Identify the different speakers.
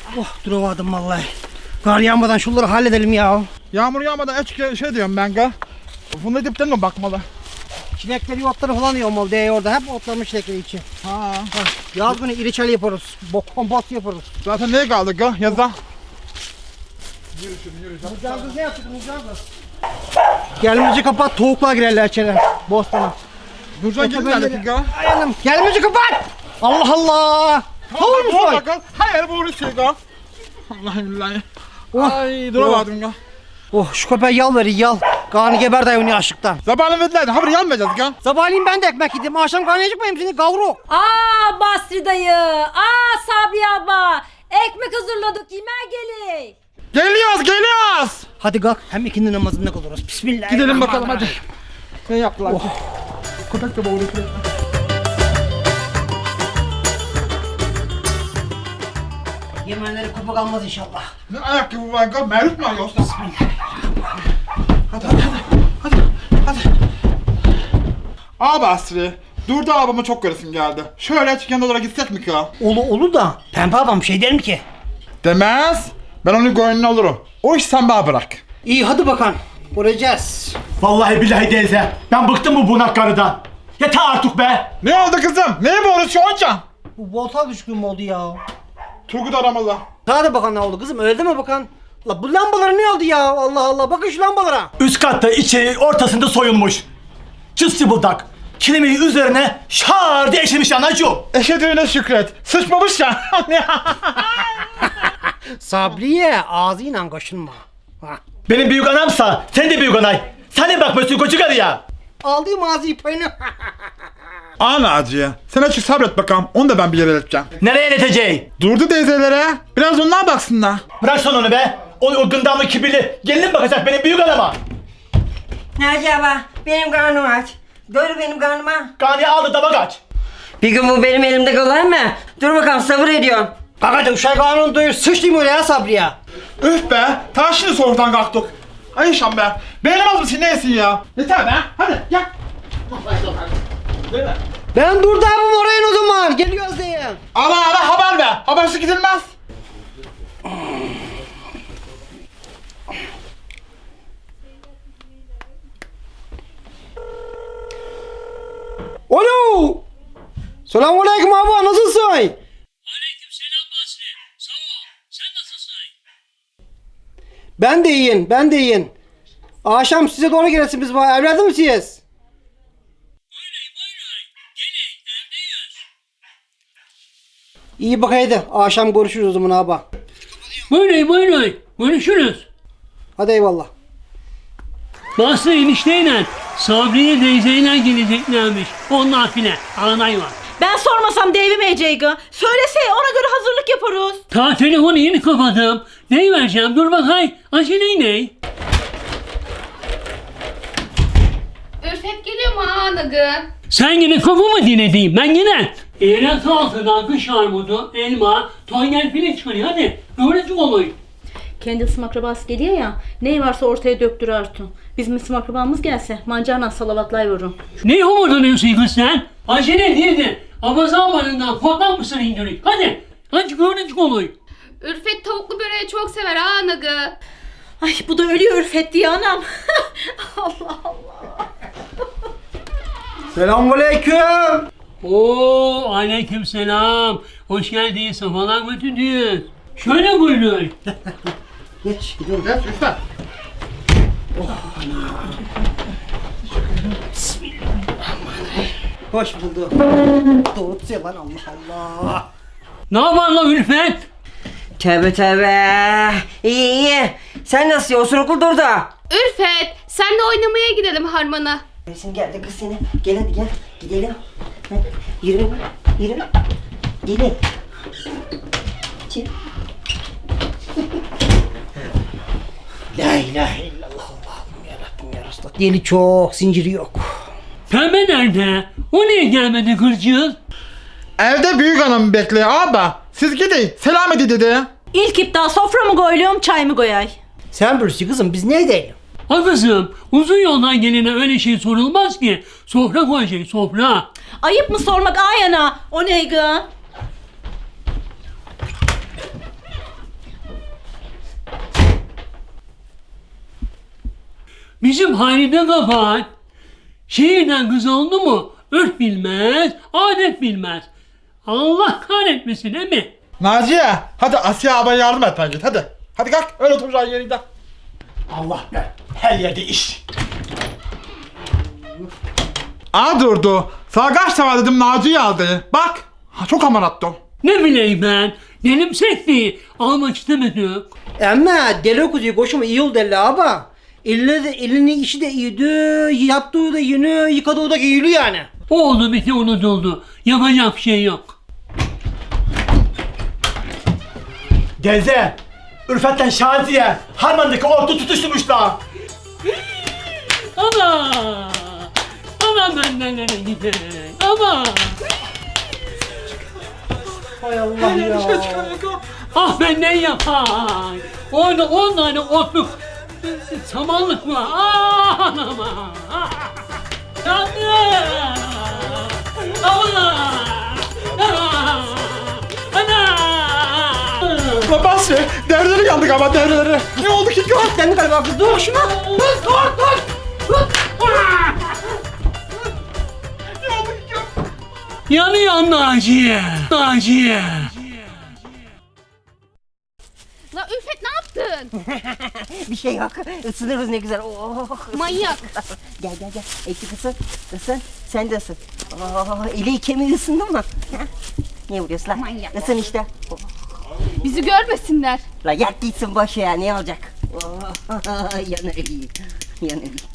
Speaker 1: Oh duramadım vallahi. Kar yağmadan şunları halledelim ya.
Speaker 2: Yağmur yağmadan şey diyorum ben ga. Funda dipten mi bakmalı?
Speaker 1: Çilekleri otları falan yiyorum o diye orada. Hep otlamış çilekleri içi.
Speaker 2: Ha.
Speaker 1: Yaz günü iriçel yaparız. Kompost yaparız.
Speaker 2: Zaten neye kaldık ga yaza?
Speaker 1: Mızrağımız ne yaptık mızrağımız? Gelmeci kapat, tavuklar girerler içeri. Bostana.
Speaker 2: Nurcan gelin geldik ga.
Speaker 1: Ayağım. Gelmeci kapat. Allah Allah. Tavuk mu soy?
Speaker 2: Hayır bu şey ga. Vallahi billahi.
Speaker 1: Oh.
Speaker 2: Ay duramadım ga.
Speaker 1: Oh şu köpeğe yal verin yal. Karnı geber dayını açlıktan.
Speaker 2: Zabanı verdiler de haberi yanmayacağız ga.
Speaker 1: Sabahleyin ben de ekmek yedim. Akşam karnı acıkmayayım seni gavruk.
Speaker 3: Aa Basri dayı. Aa Sabri abla. Ekmek hazırladık yemeğe gelin.
Speaker 2: Geliyoruz.
Speaker 1: Hadi kalk hem ikindi namazında kılırız. Bismillah.
Speaker 2: Gidelim bakalım hadi. Ne yaptılar ki? Köpek de boğuluyor.
Speaker 1: Yemenleri kopak almaz inşallah.
Speaker 2: Ne ayakkabı var ga? Merhum mu yoksa? Hadi. Basri. Durdu abama çok göresim geldi. Şöyle açık yanına gitsek mi ki?
Speaker 1: Olur da pembe babam şey der mi ki?
Speaker 2: Demez. Ben onun gönlünü alırım. O iş sen bana bırak.
Speaker 1: İyi hadi bakalım. Göreceğiz.
Speaker 4: Vallahi billahi teyze. Ben bıktım bu bunak karıdan. Yeter artık be.
Speaker 2: Ne oldu kızım? Neye bağırıyorsun?
Speaker 1: Bu volta düşkün mü oldu ya?
Speaker 2: Turgut aramalı.
Speaker 1: Hadi bakalım ne oldu kızım öyle mi bakan? La bu lambalar ne oldu ya? Allah Allah bakın şu lambalara.
Speaker 4: Üst katta içeri ortasında soyulmuş. Cıssı budak. Kelimeyi üzerine şar diye eşemiş anacığım.
Speaker 2: Eşedüğüne şükret. Sıçmamış ya.
Speaker 1: Sabriye ağzıyla kaşınma. Ha.
Speaker 4: Benim büyük anamsa sen de büyük anay. Sen de bakmıyorsun koçu karıya.
Speaker 1: Aldığım ağzıyı payını.
Speaker 2: Ana acıya. Sen açık sabret bakalım. Onu da ben bir yere ileteceğim.
Speaker 4: Nereye ileteceğim?
Speaker 2: Durdu teyzelere. Biraz onlar baksınlar.
Speaker 4: Bırak sen onu be. O gındamlı kibirli gelin bakacak benim büyük anama.
Speaker 5: Naci abla benim karnım aç. Doyur benim karnıma.
Speaker 4: Kani aldı dama kaç.
Speaker 5: Bir gün bu benim elimde kalır mı? Dur bakalım sabır ediyorum.
Speaker 1: Bak hadi uşak ağanın doyur sıçtım oraya Sabriye.
Speaker 2: Üf be. Ta şimdi soğuktan kalktık. Ay şam be. Beğenemez misin neysin ya? Yeter be. Hadi gel.
Speaker 1: Ben durdum oraya o zaman. Geliyoruz diye.
Speaker 2: Ara haber ver. Habersiz gidilmez.
Speaker 1: Alo. Selamünaleyküm abi nasılsın?
Speaker 6: Aleykümselam Basri. Sağ ol. Sen nasılsın?
Speaker 1: Ben de iyiyim. Akşam size doğru gelirsin biz bana evladım siz.
Speaker 6: Buyurun. Gelin evdeyiz.
Speaker 1: İyi bak hadi. Akşam görüşürüz o zaman abi.
Speaker 6: Buyurun. Görüşürüz.
Speaker 1: Hadi eyvallah.
Speaker 6: Basri enişteyle Sabriye teyzeyle geleceklermiş. Onlar file. Anay var.
Speaker 3: Ben sormasam devimeyeceği. Söylese ona göre hazırlık yaparız.
Speaker 6: Ta telefonu yeni kapadım. Neyi vereceğim? Dur bakayım. Acele ne?
Speaker 7: Ürfet geliyor mu anagı?
Speaker 6: Sen yine kafamı dinledin. Ben yine. Eğlen altından kış armudu, elma, tonyel file çıkarıyor. Hadi. Öğrenci olayım.
Speaker 3: Kendi ısım akrabası geliyor ya. Ne varsa ortaya döktür Artu. Bizim ısım akrabamız gelse mancarla salavatlayıvırım.
Speaker 6: Ne homurdanıyorsun kız sen? Acele değildi. Abazamanından korkak mısın indirin? Hadi. Hadi öğrenci olayım.
Speaker 7: Ürfet tavuklu böreği çok sever ha anagı.
Speaker 3: Ay bu da ölüyor Ürfet diye anam. Allah Allah.
Speaker 1: Selamünaleyküm.
Speaker 6: Oo, aleykümselam. Hoş geldin. Safalar götürdünüz. Şöyle buyurun.
Speaker 1: Geç gidiyorum.
Speaker 2: Geç lütfen.
Speaker 1: Hoş bulduk. Doğru lan Allah Allah.
Speaker 6: Ne yapar lan Ülfet?
Speaker 5: Tövbe. İyi. Sen nasıl osuruklu durdu?
Speaker 7: Ürfet senle oynamaya gidelim harmana.
Speaker 5: Resim geldi kız seni. Gel hadi gel. Gidelim. Hadi. Yürü. Gelin.
Speaker 1: La ilahe illallah Allah'ım yarabbim ya Resulallah. Deli çok zinciri yok.
Speaker 6: Pembe nerede? O niye gelmedi kızcığız?
Speaker 2: Evde büyük hanım bekliyor abi. Siz gidin. Selam edin dedi.
Speaker 3: İlk iptal sofra mı koyuyorum çay mı koyay?
Speaker 1: Sen bilirsin kızım biz ne edelim?
Speaker 6: Ha kızım, uzun yoldan gelene öyle şey sorulmaz ki. Sofra koyacak, sofra.
Speaker 3: Ayıp mı sormak ayana? O ne gı?
Speaker 6: Bizim Halide kapat. Şehirden kız oldu mu? Örf bilmez, adet bilmez. Allah kahretmesin değil mi?
Speaker 2: Naciye hadi Asiye ablaya yardım et bence hadi. Hadi kalk öyle oturacağın yerinde.
Speaker 4: Allah be. Her yerde iş.
Speaker 2: Aa durdu. Sana kaç defa dedim Naciye aldı. Bak. Ha, çok aman attım.
Speaker 6: Ne bileyim ben. Dilim sekti. Almak istemedim.
Speaker 1: Ama deli kuzuyu koşuma iyi oldu elle abi. Elinin işi de iyiydi, yaptığı da yeni, yıkadığı da iyiydi yani.
Speaker 6: Oldu bitti unutuldu. Yapacak bir şey yok.
Speaker 4: Deze. Ürfet'ten Şaziye. Harman'daki ordu tutuşturmuşlar.
Speaker 6: Ama. Ama benden nereye gider? Ama.
Speaker 1: Hay Allah ya.
Speaker 6: Ah benden yapar. Orada 10 tane otluk samanlık var. Ah anama. Yandım. Ama. Ana.
Speaker 2: La Basri devreleri yandık ama devreleri. Ne oldu ki?
Speaker 1: Kendi galiba kız dur şuna.
Speaker 6: Yanıyor Naciye. Naciye.
Speaker 7: La Ülfet ne yaptın?
Speaker 5: Bir şey yok. Isınırız ne güzel. Oh.
Speaker 7: Manyak.
Speaker 5: Gel. Ekip ısın. Sen de ısın. Oh, eli kemiği ısındı mı? Ha? Niye vuruyorsun lan?
Speaker 7: Manyak.
Speaker 5: Isın işte. Oh.
Speaker 7: Bizi görmesinler.
Speaker 5: La yat gitsin boş ya ne olacak? Oh. Yanır iyi.